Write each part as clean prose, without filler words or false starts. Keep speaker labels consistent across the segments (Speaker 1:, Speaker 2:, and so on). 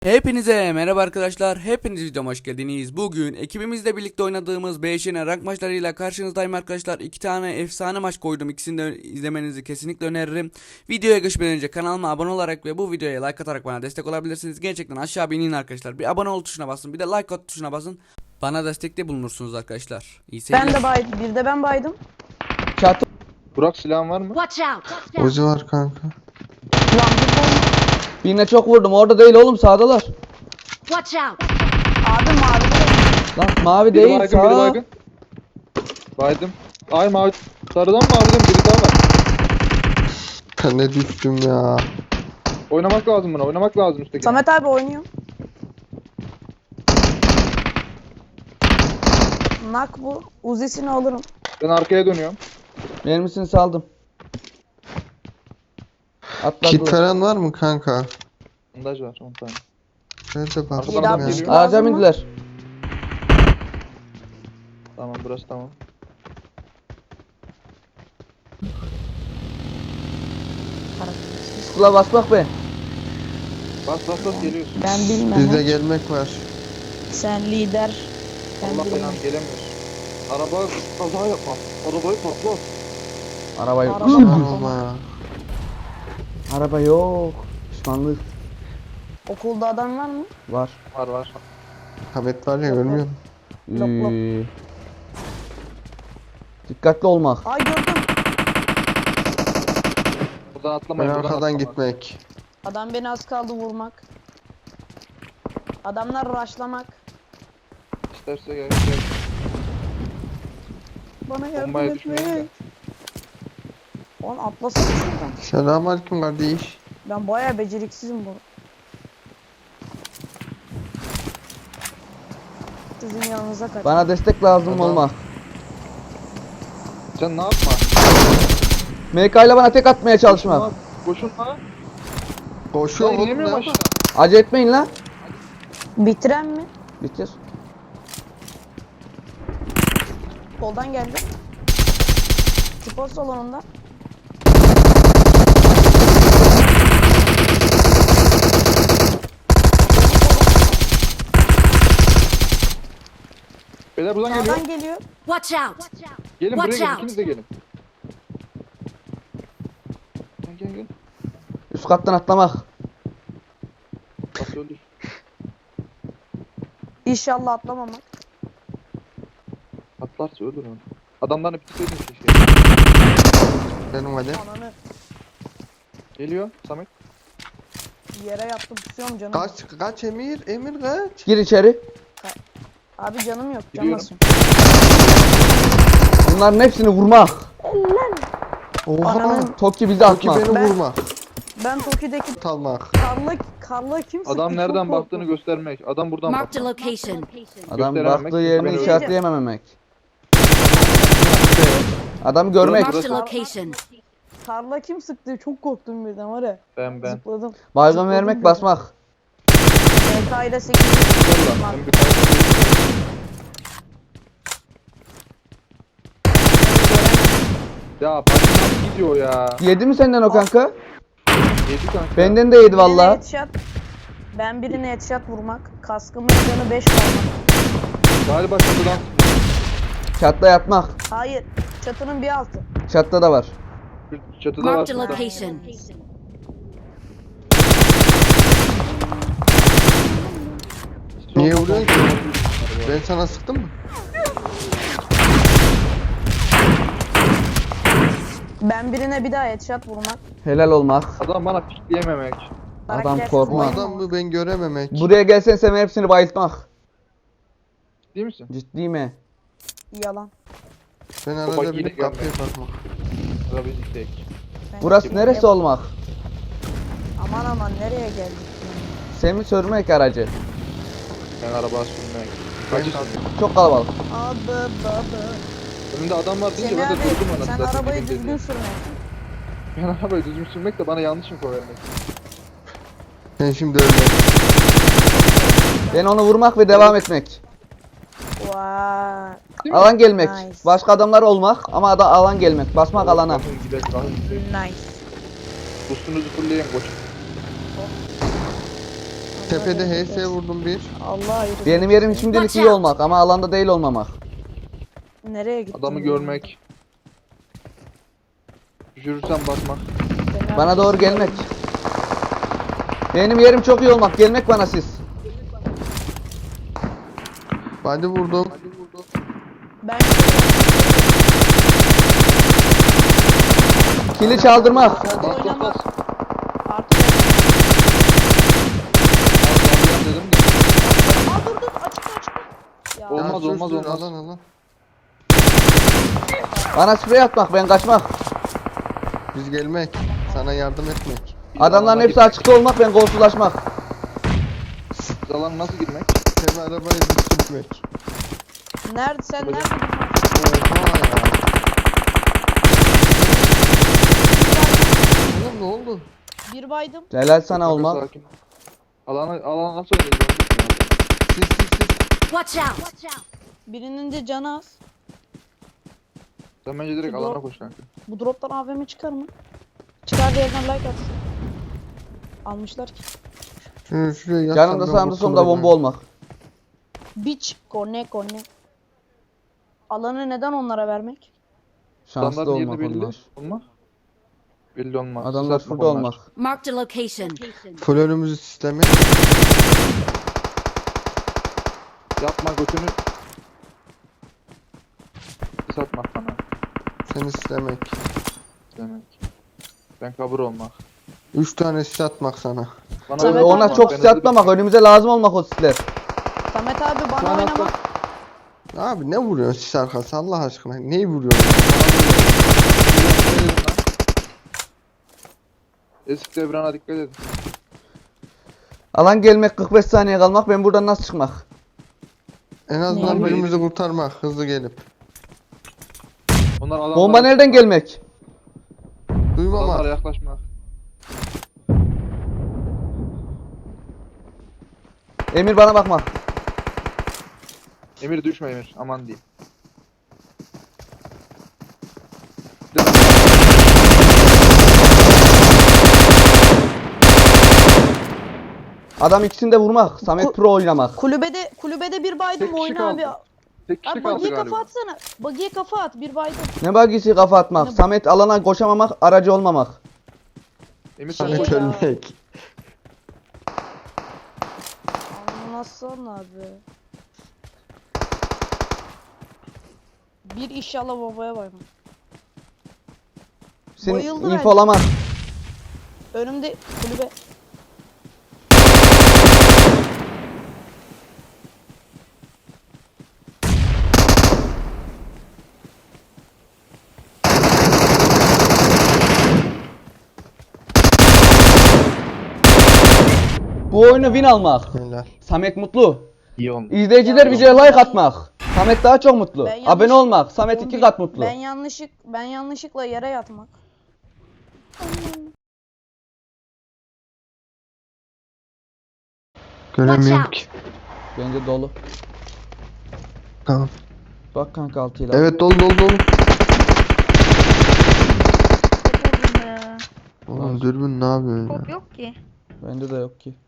Speaker 1: Hepinize merhaba arkadaşlar. Hepiniz videoma hoş geldiniz. Bugün ekibimizle birlikte oynadığımız BŞN rank maçlarıyla karşınızdayım arkadaşlar. 2 tane efsane maç koydum. İkisini de izlemenizi kesinlikle öneririm. Videoya geçmeden önce kanalıma abone olarak ve bu videoya like atarak bana destek olabilirsiniz. Gerçekten aşağı bir inin arkadaşlar. Bir abone ol tuşuna basın. Bir de like at tuşuna basın. Bana destekte bulunursunuz arkadaşlar. İyi seyirler.
Speaker 2: Ben de baydım. Bir de ben baydım.
Speaker 1: Çatı.
Speaker 3: Burak silahın var mı?
Speaker 4: Watch out!
Speaker 5: Ucu var kanka.
Speaker 2: Lan bu bomba.
Speaker 1: Birine çok vurdum. Orada değil oğlum, sağdalar.
Speaker 4: Watch out!
Speaker 2: Abi mavi.
Speaker 1: Lan mavi
Speaker 3: Biri
Speaker 1: değil,
Speaker 3: baygın, biri
Speaker 1: sağ.
Speaker 3: baygın. Baydım. Ay mavi. Sarıdan maviden biri daha var.
Speaker 5: Ben ne düştüm ya.
Speaker 3: Oynamak lazım buna, oynamak lazım üstteki.
Speaker 2: Samet abi oynuyor. Nak bu. Uzisini alırım.
Speaker 3: Ben arkaya dönüyorum.
Speaker 1: Mermisini saldım.
Speaker 5: Kit
Speaker 1: Atladılar.
Speaker 5: falan var mı kanka?
Speaker 3: Bandaj var 10 tane.
Speaker 5: Nerede
Speaker 3: Arkadan
Speaker 5: bakayım
Speaker 3: adam
Speaker 5: ya.
Speaker 3: geliyor.
Speaker 1: Ağaca
Speaker 2: Lazım mı?
Speaker 1: bindiler.
Speaker 3: Tamam burası tamam.
Speaker 1: Skula bas bak be.
Speaker 3: Bas bas bas geliyorsun.
Speaker 2: Ben bilmem.
Speaker 5: Bizde gelmek var.
Speaker 2: Sen lider. Ben
Speaker 3: Allah
Speaker 2: bilmem.
Speaker 3: belanı gelemiyoruz. Araba kaza yapma. Arabayı patlat.
Speaker 1: Araba yok.
Speaker 2: Araba
Speaker 5: Aman
Speaker 2: patladı.
Speaker 5: olma.
Speaker 1: Araba yok. Pişmanlık
Speaker 2: Okulda adam var mı?
Speaker 1: var.
Speaker 3: Var var.
Speaker 5: Hamet var ya görmüyor musun?
Speaker 2: Lok lok.
Speaker 1: Dikkatli olmak.
Speaker 2: Ay gördüm.
Speaker 3: Buradan
Speaker 5: Ben
Speaker 3: atlamayın. buradan
Speaker 5: arkadan
Speaker 3: atlamayın.
Speaker 5: gitmek.
Speaker 2: Adam beni az kaldı vurmak. Adamlar rushlamak.
Speaker 3: İsterse gel. Gel.
Speaker 2: Bana yardım
Speaker 3: Bombaya düşmeyin de.
Speaker 2: etmek. Oğlum atlasana şuradan.
Speaker 5: Selamünaleyküm kardeş.
Speaker 2: Ben bayağı beceriksizim bu. Sizin yanınıza kaç.
Speaker 1: Bana destek lazım
Speaker 5: Tamam.
Speaker 1: olmak.
Speaker 3: Sen ne yapma?
Speaker 1: MK ile bana tek atmaya çalışmak.
Speaker 3: Boşuna.
Speaker 5: Koşuyor
Speaker 3: Ben
Speaker 5: oğlum
Speaker 3: inemiyorum
Speaker 5: ne?
Speaker 3: aşağı.
Speaker 1: Acele etmeyin lan.
Speaker 2: Bitiren mi?
Speaker 1: Bitir.
Speaker 2: Soldan geldi. Spor salonunda.
Speaker 3: Beyler buradan geliyor.
Speaker 2: Sağdan geliyor.
Speaker 4: Watch out!
Speaker 3: Gelin buraya
Speaker 4: Watch
Speaker 3: gelin.
Speaker 4: out.
Speaker 3: İkiniz de gelin. Gel gel gel.
Speaker 1: Üst kattan atlamak.
Speaker 3: Bak öldür.
Speaker 2: İnşallah atlamamak.
Speaker 3: Atlarsa ölür onu. Adamlarını bitirseydin keşke.
Speaker 5: Benim hadi.
Speaker 2: Ananı
Speaker 3: Geliyor Samet.
Speaker 2: yere yattım tutuyorum canım.
Speaker 5: Kaç Emir? Emir kaç?
Speaker 1: Gir içeri.
Speaker 2: Abi canım yok. Can
Speaker 3: Gidiyorum.
Speaker 2: basın.
Speaker 1: Bunların hepsini vurmak.
Speaker 5: Oha.
Speaker 2: Ananın-
Speaker 1: Toki bizi
Speaker 5: Toki
Speaker 1: atmak.
Speaker 5: beni
Speaker 2: Ben-
Speaker 5: vurma.
Speaker 2: Ben Toki'deki
Speaker 5: Talmak.
Speaker 2: karla kim sıktı?
Speaker 3: Adam
Speaker 2: Çok
Speaker 3: nereden
Speaker 2: korktum.
Speaker 3: baktığını göstermek. Adam buradan
Speaker 4: Marked a
Speaker 3: baktı.
Speaker 4: location.
Speaker 1: Adam
Speaker 3: gösterememek,
Speaker 1: baktığı yerini
Speaker 3: gösterememek.
Speaker 1: işaretleyememek. Adamı görmek.
Speaker 4: Marked a location.
Speaker 2: Karla kim sıktı? Çok korktum birden var ya.
Speaker 3: Ben.
Speaker 2: Zıpladım.
Speaker 1: Baygın
Speaker 2: Zıpladım
Speaker 1: vermek,
Speaker 2: birden.
Speaker 1: basmak.
Speaker 2: MK ile 8.
Speaker 3: Ben bir tane Ya bak nasıl gidiyor ya.
Speaker 1: Yedi mi senden o kanka?
Speaker 3: Yedi kanka.
Speaker 1: Benden de yedi valla.
Speaker 2: Ben birine headshot vurmak. Kaskımın canı 5 kalmak.
Speaker 3: Galiba çatıdan
Speaker 1: Çatta yatmak.
Speaker 2: Hayır. Çatının bir altı.
Speaker 1: Çatta da var.
Speaker 3: çatıda var.
Speaker 4: Marked a
Speaker 3: çatıda.
Speaker 4: location.
Speaker 5: Niye vuruyorsun ki? Ben sana sıktım mı?
Speaker 2: Ben birine bir daha headshot vurmak.
Speaker 1: Helal olmak.
Speaker 3: Adam bana pikleyememek.
Speaker 1: Adam
Speaker 2: Karaktersiz
Speaker 1: korkma.
Speaker 5: Bu
Speaker 2: oynamak.
Speaker 5: adam mı ben görememek.
Speaker 1: Buraya gelsen sen hepsini bayıltmak.
Speaker 3: Değil misin?
Speaker 1: Ciddi mi?
Speaker 2: Yalan.
Speaker 5: Ben
Speaker 3: Baba
Speaker 5: arada
Speaker 3: yine
Speaker 5: bir kapıya
Speaker 3: gelme.
Speaker 5: bakmak.
Speaker 3: Sıra bizi tek.
Speaker 1: Burası neresi olmak?
Speaker 2: Aman aman nereye geldik?
Speaker 1: Semi sürmek aracı.
Speaker 3: Ben araba sürmek. Kaçı
Speaker 1: Çok kalabalık.
Speaker 2: Abi baba.
Speaker 3: Önümde adam var deyince
Speaker 2: Semih
Speaker 3: ben de
Speaker 2: abi
Speaker 3: durdum ona.
Speaker 2: sen
Speaker 3: Zaten
Speaker 2: arabayı
Speaker 3: dedim
Speaker 2: düzgün
Speaker 3: dedi.
Speaker 2: sürmek.
Speaker 3: Ben arabayı düzgün sürmek de bana yanlış info vermek.
Speaker 5: Sen şimdi öyle.
Speaker 1: Ben onu vurmak ve devam etmek.
Speaker 2: Vay.
Speaker 3: Değil mi?
Speaker 1: Alan gelmek.
Speaker 2: Nice.
Speaker 1: Başka adamlar olmak ama da alan gelmek. Basmak alana.
Speaker 3: Bakın gidelim, bakın gidelim.
Speaker 2: Nice.
Speaker 3: Boost'unuzu fullleyin koç.
Speaker 5: Tepede HS vurdum bir.
Speaker 2: Allah ayrı.
Speaker 1: Benim yerim şimdilik
Speaker 4: Watch
Speaker 1: iyi
Speaker 4: out.
Speaker 1: olmak ama alanda değil olmamak.
Speaker 2: Nereye gittin?
Speaker 3: Adamı görmek. Düşürürsen basmak.
Speaker 1: Bana doğru gelmek. Benim yerim çok iyi olmak. Gelmek bana siz.
Speaker 5: Body vurdum.
Speaker 2: Ben
Speaker 1: Kili çaldırmak.
Speaker 3: Bas bas
Speaker 2: oynama.
Speaker 3: bas.
Speaker 2: Artık.
Speaker 3: Bas dedim de.
Speaker 2: Aa dur açıkta. Ya.
Speaker 3: Olmaz,
Speaker 5: Ya,
Speaker 3: olmaz,
Speaker 5: sus,
Speaker 3: olmaz.
Speaker 5: Alan.
Speaker 1: Bana sprey atmak. Ben kaçmak.
Speaker 5: Biz gelmek. Sana yardım etmek.
Speaker 1: Adamların
Speaker 3: Alana
Speaker 1: hepsi açıkta olmak. Ben golsuzlaşmak.
Speaker 3: Biz alana nasıl girmek?
Speaker 5: Hem arabayı düşürmek.
Speaker 2: Nerede sen nerede?
Speaker 5: Oha ya. Oğlum ne oldu?
Speaker 2: Bir baydım.
Speaker 1: Helal sana
Speaker 3: Kanka,
Speaker 1: olmak.
Speaker 3: sakin. Alana nasıl oynayacağız?
Speaker 5: Sis.
Speaker 4: Watch out!
Speaker 2: Birinin de canı az.
Speaker 3: Sen bence direkt
Speaker 2: Şu
Speaker 3: alana
Speaker 2: drop-
Speaker 3: koş kanka.
Speaker 2: Bu droptan AVM çıkar mı? Çıkar diğerinden like atsın. Almışlar ki.
Speaker 5: Şuraya yatsam
Speaker 1: Yanımda
Speaker 5: ben
Speaker 1: sağımda solumda
Speaker 5: kurtulurum
Speaker 1: bomba
Speaker 5: ha.
Speaker 1: olmak.
Speaker 2: Biç. Kone. Alanı neden onlara vermek?
Speaker 1: Şanslı
Speaker 3: Adamların yerini
Speaker 1: olmak
Speaker 3: belli
Speaker 1: onlar.
Speaker 3: olma. Belli olmaz.
Speaker 1: Adamlar
Speaker 3: Sis atmak
Speaker 1: şurada
Speaker 3: onlar.
Speaker 1: olmak.
Speaker 4: Marked a location.
Speaker 5: Full önümüzü sistemi.
Speaker 3: Yapma götünü. Sis atmak bana.
Speaker 5: Seni sistemek.
Speaker 3: Demek. Ben kabur olmak.
Speaker 5: 3 tane sis atmak sana.
Speaker 3: Bana
Speaker 2: Samet
Speaker 3: öyle
Speaker 1: Ona
Speaker 2: abi,
Speaker 1: çok
Speaker 3: ben
Speaker 1: sis atmamak. Önümüze lazım olmak o sisler.
Speaker 2: Samet abi bana
Speaker 3: Şu an
Speaker 2: oynamak.
Speaker 3: hatta-
Speaker 5: Abi ne vuruyorsun sis arkası Allah aşkına? Neyi vuruyorsun?
Speaker 3: Eski devrana dikkat edin.
Speaker 1: Alan gelmek 45 saniye kalmak. Ben buradan nasıl çıkmak?
Speaker 5: En azından
Speaker 2: Ne?
Speaker 5: birimizi kurtarmak hızlı gelip.
Speaker 3: Onlar adamlara,
Speaker 1: Bomba nereden gelmek?
Speaker 3: adamlara
Speaker 5: Duymamak.
Speaker 3: yaklaşma.
Speaker 1: Emir bana bakma.
Speaker 3: Emir düşme Emir. Aman diyeyim.
Speaker 1: Adam ikisini de vurmak. Samet Pro oynamak.
Speaker 2: Kulübede bir baydım
Speaker 3: Tek kişi
Speaker 2: oyna abi.
Speaker 3: kaldı. Tek kişi
Speaker 2: Abi
Speaker 3: kaldı
Speaker 2: bagiye
Speaker 3: galiba.
Speaker 2: kafa atsana. Bagiye kafa at bir baydım.
Speaker 1: Ne bagisi kafa atmak.
Speaker 2: Ne-
Speaker 1: Samet alana koşamamak. Aracı olmamak.
Speaker 3: Emir sen
Speaker 2: Şey-
Speaker 3: koş.
Speaker 5: Samet
Speaker 2: ya.
Speaker 5: ölmek.
Speaker 2: Anlasana abi. Bir inşallah babaya bayma.
Speaker 1: Seni
Speaker 2: Bayıldı bence.
Speaker 1: infolamak.
Speaker 2: Önümde kulübe.
Speaker 1: Bu oyunu win almak.
Speaker 5: Helal.
Speaker 1: Samet mutlu.
Speaker 3: İyi olmuş.
Speaker 1: İzleyiciler
Speaker 2: Ya,
Speaker 1: videoya like atmak. Samet daha çok mutlu.
Speaker 2: Ben yanlış-
Speaker 1: Abone olmak. Samet 2 kat mutlu.
Speaker 2: Ben yanlışlıkla yere yatmak.
Speaker 5: Göremiyorum ki.
Speaker 1: Bence dolu.
Speaker 5: Tamam.
Speaker 1: Bak kanka 6 ile.
Speaker 5: Evet dolu. Oğlum dürbün ne yapıyorsun ya?
Speaker 6: Top yok ki.
Speaker 1: Bende de yok ki.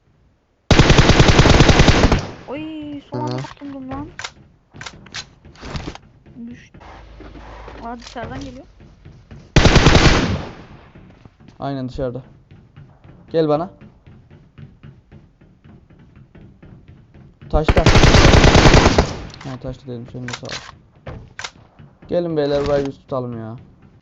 Speaker 6: Oy son anda
Speaker 5: Hı.
Speaker 6: kurtuldum lan. Düştü. Aa dışarıdan geliyor.
Speaker 1: Aynen dışarıda. Gel bana. Taşta. Ha taşta dedim senin de sağ ol. Gelin beyler burayı biz tutalım ya.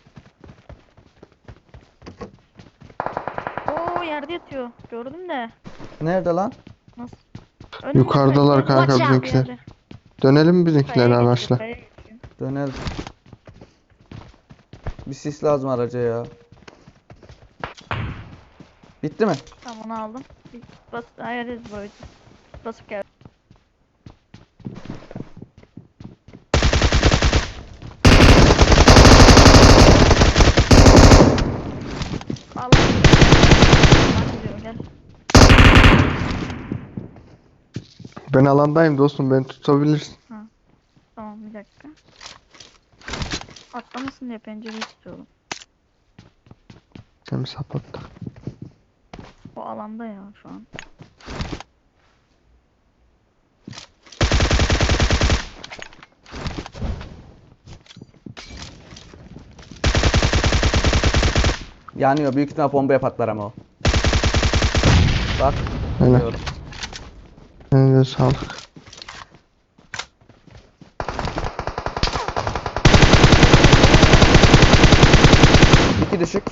Speaker 6: Oo yerde yatıyor. Gördüm de.
Speaker 1: Nerede lan?
Speaker 6: Nasıl? Önümde
Speaker 5: Yukarıdalar
Speaker 6: kayıyor.
Speaker 5: kanka
Speaker 4: Watch out.
Speaker 5: bizimkiler.
Speaker 6: Yerde.
Speaker 5: Dönelim mi bizimkiler
Speaker 6: Kayaya geçiyor,
Speaker 5: araçla?
Speaker 6: kayaya geçiyor.
Speaker 1: Dönelim. Bir sis lazım araca ya. Bitti mi?
Speaker 6: Tamam onu aldım. Bas ayarız böyle. Basıp gel. Allah. Ben gidiyorum gel.
Speaker 5: Ben alandayım dostum beni tutabilirsin.
Speaker 6: Tamam bir dakika. Atlamasın diye pencereyi tutuyorum.
Speaker 5: Sen bir sapattık.
Speaker 6: O alanda ya şu an.
Speaker 1: Yanıyor. Büyük ihtimal bombaya patlar ama o. Bak.
Speaker 5: Öyle.
Speaker 1: Diyorum.
Speaker 5: Elinize sağlık.
Speaker 1: İki düşük.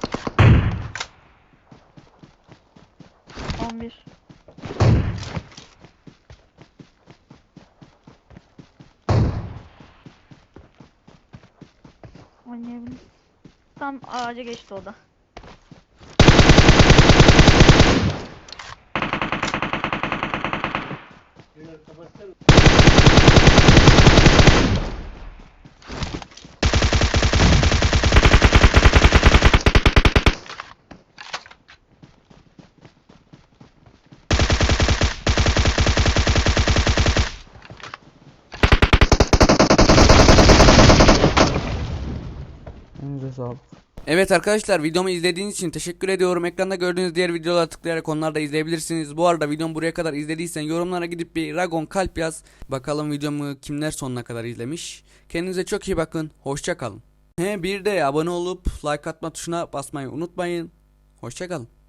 Speaker 6: 11. Oynayabilirim. Tam ağaca geçti o da.
Speaker 1: Elinize sağlık. Evet arkadaşlar, videomu izlediğiniz için teşekkür ediyorum. Ekranda gördüğünüz diğer videolara tıklayarak onları da izleyebilirsiniz. Bu arada videomu buraya kadar izlediysen yorumlara gidip bir Ragon kalp yaz. Bakalım videomu kimler sonuna kadar izlemiş. Kendinize çok iyi bakın. Hoşça kalın. Bir de abone olup like atma tuşuna basmayı unutmayın. Hoşça kalın.